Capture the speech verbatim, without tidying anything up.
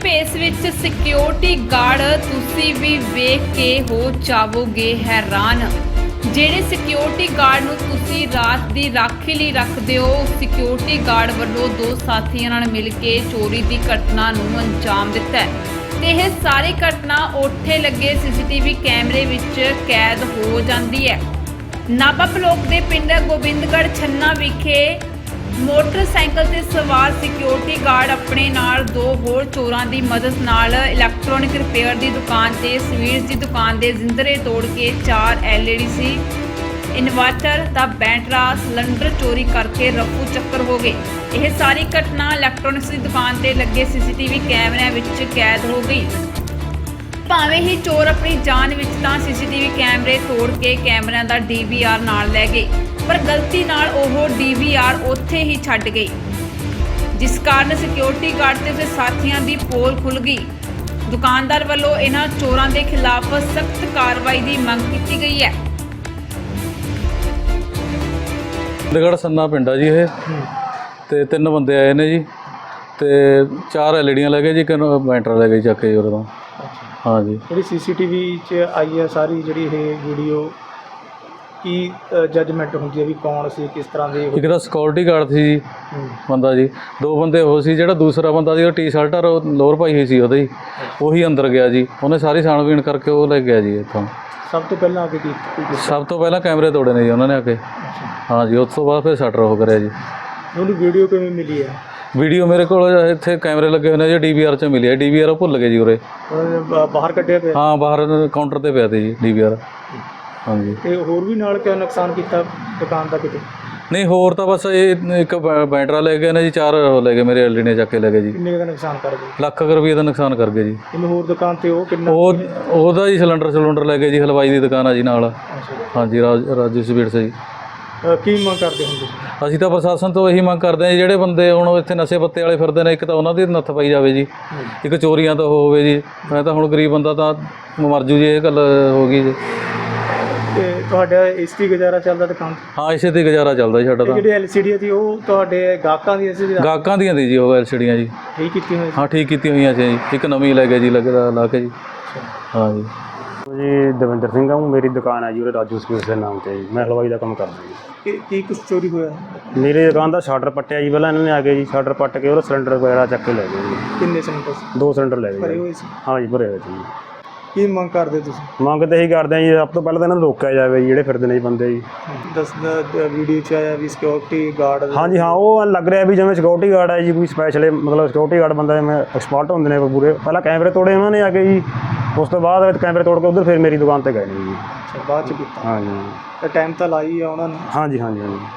ਭੇਸ ਵਿੱਚ security guard ਤੁਸੀਂ ਵੀ ਵੇਖ ਕੇ ਹੋ ਜਾਵੋਗੇ ਹੈਰਾਨ। ਜਿਹੜੇ ਸਿਕਿਉਰਿਟੀ ਗਾਰਡ ਨੂੰ ਤੁਸੀਂ ਰਾਤ ਦੀ ਰਾਖੀ ਲਈ ਰੱਖਦੇ ਹੋ, ਸਿਕਿਉਰਿਟੀ ਗਾਰਡ ਵੱਲੋਂ ਦੋ ਸਾਥੀਆਂ ਨਾਲ ਮਿਲ ਕੇ ਚੋਰੀ ਦੀ ਘਟਨਾ ਨੂੰ ਅੰਜਾਮ ਦਿੱਤਾ ਹੈ ਤੇ ਇਹ ਸਾਰੀ ਘਟਨਾ ਉੱਥੇ ਲੱਗੇ ਸੀਸੀਟੀਵੀ ਕੈਮਰੇ ਵਿੱਚ ਕੈਦ ਹੋ ਜਾਂਦੀ ਹੈ। ਨਾਭਾ ਬਲਾਕ ਦੇ ਪਿੰਡ ਗੋਬਿੰਦਗੜ੍ਹ ਛੰਨਾ ਵਿਖੇ ਮੋਟਰਸਾਈਕਲ ਤੇ ਸਵਾਰ ਸਿਕਿਉਰਿਟੀ ਗਾਰਡ ਆਪਣੇ ਨਾਲ ਦੋ ਹੋਰ ਚੋਰਾਂ ਦੀ ਮਦਦ ਨਾਲ ਇਲੈਕਟ੍ਰੋਨਿਕ ਰਿਪੇਅਰ ਦੀ ਦੁਕਾਨ ਤੇ ਸਵੀਟਸ ਦੀ ਦੁਕਾਨ ਦੇ ਜ਼ਿੰਦਰੇ ਤੋੜ ਕੇ ਚਾਰ ਐਲ ਈ ਡੀ ਸੀ, ਇਨਵਰਟਰ ਦਾ ਬੈਟਰਾ, ਸਿਲੰਡਰ ਚੋਰੀ ਕਰਕੇ ਰਫੂ ਚੱਕਰ ਹੋ ਗਏ। ਇਹ ਸਾਰੀ ਘਟਨਾ ਇਲੈਕਟ੍ਰੋਨਿਕਸ ਦੀ ਦੁਕਾਨ ਤੇ ਲੱਗੇ ਸੀਸੀਟੀਵੀ ਕੈਮਰਿਆਂ ਵਿੱਚ ਕੈਦ ਹੋ ਗਈ। ਭਾਵੇਂ ਹੀ ਚੋਰ ਆਪਣੀ ਜਾਨ ਵਿੱਚ ਤਾਂ ਸੀਸੀਟੀਵੀ ਕੈਮਰੇ ਤੋੜ ਕੇ ਕੈਮਰਿਆਂ ਦਾ ਡੀ ਵੀ ਆਰ ਨਾਲ ਲੈ ਗਏ, ਪਰ ਗਲਤੀ ਨਾਲ ਉਹ ਡੀ ਵੀ ਆਰ ਉੱਥੇ ਹੀ ਛੱਡ ਗਈ, ਜਿਸ ਕਾਰਨ ਸਿਕਿਉਰਿਟੀ ਗਾਰਡ ਤੇ ਉਸਦੇ ਸਾਥੀਆਂ ਦੀ ਪੋਲ ਖੁੱਲ੍ਹ ਗਈ। ਦੁਕਾਨਦਾਰ ਵੱਲੋਂ ਇਹਨਾਂ ਚੋਰਾਂ ਦੇ ਖਿਲਾਫ ਸਖਤ ਕਾਰਵਾਈ ਦੀ ਮੰਗ ਕੀਤੀ ਗਈ ਹੈ। ਗੋਬਿੰਦਗੜ੍ਹ ਛੰਨਾ ਪਿੰਡ ਆ ਜੀ ਇਹ, ਤੇ ਤਿੰਨ ਬੰਦੇ ਆਏ ਨੇ ਜੀ, ਤੇ ਚਾਰ ਐਲ ਈ ਡੀਆਂ ਲੈ ਗਏ ਜੀ, ਇੱਕ ਬੈਟਰਾ ਲੈ ਗਏ ਚੱਕ ਕੇ ਉਹਦੇ ਤੋਂ। हाँ जी, जी सीसीटीवी च आई है सारी जी वीडियो की जजमेंट होंगी है भी कौन सी किस तरह की? एक सिक्योरिटी गार्ड सी जी बंदा जी, दो बंदे हो सी, जो दूसरा बंदा जी टी शर्ट और लोअर पाई हुई सी ਉਹਦੀ ਉਹੀ अंदर गया जी, उन्हें सारी छाणबीन करके वो ले गया जी इत्थों। सब तो पहला आके की सब तो पहला कैमरे तोड़े ने जी उन्होंने आके। हाँ जी, उस तो बाद फिर शटर हो करिया जी। ਉਹਨੂੰ ਵੀਡੀਓ ਕਿਵੇਂ ਮਿਲੀ ਹੈ? ਵੀਡੀਓ ਮੇਰੇ ਕੋਲ ਇੱਥੇ ਕੈਮਰੇ ਲੱਗੇ ਹੋਏ ਨੇ ਜੀ, ਡੀ ਵੀ ਆਰ 'ਚ ਮਿਲੀ ਹੈ। ਡੀ ਵੀ ਆਰ ਉਹ ਭੁੱਲ ਗਏ ਜੀ ਉਰੇ। ਬਾਹਰ ਕੱਢਿਆ ਪਿਆ? ਹਾਂ, ਬਾਹਰ ਕਾਊਂਟਰ ਤੇ ਪਿਆ ਤੇ ਜੀ ਡੀ ਵੀ ਆਰ। ਹਾਂਜੀ, ਤੇ ਹੋਰ ਵੀ ਨਾਲ ਕਿਆ ਨੁਕਸਾਨ ਕੀਤਾ ਦੁਕਾਨ ਦਾ ਕਿਤੇ? ਨਹੀਂ, ਹੋਰ ਤਾਂ ਬਸ ਇਹ ਇੱਕ ਬੈਟਰਾ ਲੈ ਗਏ ਨੇ ਜੀ, ਚਾਰ ਲੈ ਗਏ ਮੇਰੇ ਐਲ ਈ ਡੀ ਨੇ ਚੱਕ ਕੇ ਲੈ ਗਏ ਜੀ। ਕਿੰਨੇ ਦਾ ਨੁਕਸਾਨ ਕਰ ਗਏ? ਲੱਖ ਰੁਪਏ ਦਾ ਨੁਕਸਾਨ ਕਰ ਗਏ ਜੀ। ਇਹਨੂੰ ਹੋਰ ਦੁਕਾਨ ਤੇ ਉਹ ਕਿੰਨਾ? ਉਹ ਉਹਦਾ ਜੀ ਸਿਲੰਡਰ ਸਿਲੰਡਰ ਲੈ ਗਏ ਜੀ, ਹਲਵਾਈ ਦੀ ਦੁਕਾਨ ਆ ਜੀ ਨਾਲ। ਹਾਂਜੀ, ਰਾਜ ਰਾਜੂ ਸਵੀਟਸ ਜੀ। ਕੀ ਮੰਗ ਕਰਦੇ ਹੁੰਦੇ? ਅਸੀਂ ਤਾਂ ਪ੍ਰਸ਼ਾਸਨ ਤੋਂ ਇਹੀ ਮੰਗ ਕਰਦੇ ਹਾਂ ਜੀ, ਜਿਹੜੇ ਬੰਦੇ ਹੁਣ ਇੱਥੇ ਨਸ਼ੇ ਪੱਤੇ ਵਾਲੇ ਫਿਰਦੇ ਨੇ, ਇੱਕ ਤਾਂ ਉਹਨਾਂ ਦੀ ਨੱਥ ਪਾਈ ਜਾਵੇ ਜੀ, ਇੱਕ ਚੋਰੀਆਂ ਤੋਂ ਹੋਵੇ ਜੀ। ਮੈਂ ਤਾਂ ਹੁਣ ਗਰੀਬ ਬੰਦਾ ਤਾਂ ਮਰ ਜੂ ਜੀ, ਇਹ ਗੱਲ ਹੋ ਗਈ ਜੀ। ਤੇ ਤੁਹਾਡਾ ਇਸ ਦੀ ਗੁਜ਼ਾਰਾ ਚੱਲਦਾ ਦੁਕਾਨ? ਹਾਂ, ਇਸੇ ਤੇ ਗੁਜ਼ਾਰਾ ਚੱਲਦਾ ਜੀ ਸਾਡਾ ਤਾਂ। ਜਿਹੜੀ ਐਲ ਸੀ ਡੀ ਸੀ ਉਹ ਤੁਹਾਡੇ ਗਾਹਕਾਂ ਦੀ ਸੀ? ਗਾਹਕਾਂ ਦੀਆਂ ਦੀ ਜੀ ਉਹ ਐਲ ਸੀ ਡੀਆਂ ਜੀ। ਠੀਕ ਕੀਤੀ ਹੋਈ? ਹਾਂ, ਠੀਕ ਕੀਤੀ ਹੋਈਆਂ ਸੀ ਜੀ, ਇੱਕ ਨਵੀਂ ਲੈ ਗਏ ਜੀ ਲੱਗਦਾ ਲਾ ਕੇ ਜੀ। ਹਾਂ ਜੀ। जी दविंदर सिंह हूँ, मेरी दुकान है जी राजू स्वीट्स के नाम से जी, मैं हलवाई का काम करता जी। ਕੀ ਕੀ ਕੁਛ ਚੋਰੀ ਹੋਇਆ? मेरी दुकान का शटर पट्टिया जी, पहले इन्होंने आ गए जी, शटर पट के और सिलेंडर वगैरह चक के ले गए जी। ਕਿੰਨੇ ਸਿਲੰਡਰ ਸੀ? दो सिलेंडर ले ਭਰੇ गए ਹੋਏ ਸੀ? हाँ जी, भरे हुए थे जी। ਕੀ ਮੰਗ ਕਰਦੇ ਤੁਸੀਂ? ਮੰਗ ਤਾਂ ਇਹੀ ਕਰਦੇ ਹਾਂ ਜੀ, ਸਭ ਤੋਂ ਪਹਿਲਾਂ ਤਾਂ ਇਹਨਾਂ ਨੂੰ ਰੋਕਿਆ ਜਾਵੇ ਜੀ, ਜਿਹੜੇ ਫਿਰਦੇ ਨੇ ਜੀ ਬੰਦੇ ਜੀ। ਦਸ ਵੀਡੀਓ 'ਚ ਆਇਆ ਵੀ ਸਿਕਿਉਰਿਟੀ ਗਾਰਡ? ਹਾਂਜੀ ਹਾਂ, ਉਹ ਲੱਗ ਰਿਹਾ ਵੀ ਜਿਵੇਂ ਸਿਕਿਉਰਿਟੀ ਗਾਰਡ ਹੈ ਜੀ, ਕੋਈ ਸਪੈਸ਼ਲ ਮਤਲਬ ਸਿਕਿਉਰਿਟੀ ਗਾਰਡ ਬੰਦਾ ਜਿਵੇਂ ਐਕਸਪਰਟ ਹੁੰਦੇ ਨੇ ਪੂਰੇ। ਪਹਿਲਾਂ ਕੈਮਰੇ ਤੋੜੇ ਉਹਨਾਂ ਨੇ ਆ ਕੇ ਜੀ, ਉਸ ਤੋਂ ਬਾਅਦ ਕੈਮਰੇ ਤੋੜ ਕੇ ਉੱਧਰ ਫਿਰ ਮੇਰੀ ਦੁਕਾਨ 'ਤੇ ਗਏ ਨੇ ਜੀ। ਅੱਛਾ, ਬਾਅਦ 'ਚ ਕੀਤਾ? ਹਾਂਜੀ, ਟਾਈਮ ਤਾਂ ਲਾਈ ਆ ਉਹਨਾਂ ਨੇ? ਹਾਂਜੀ ਹਾਂਜੀ ਹਾਂਜੀ।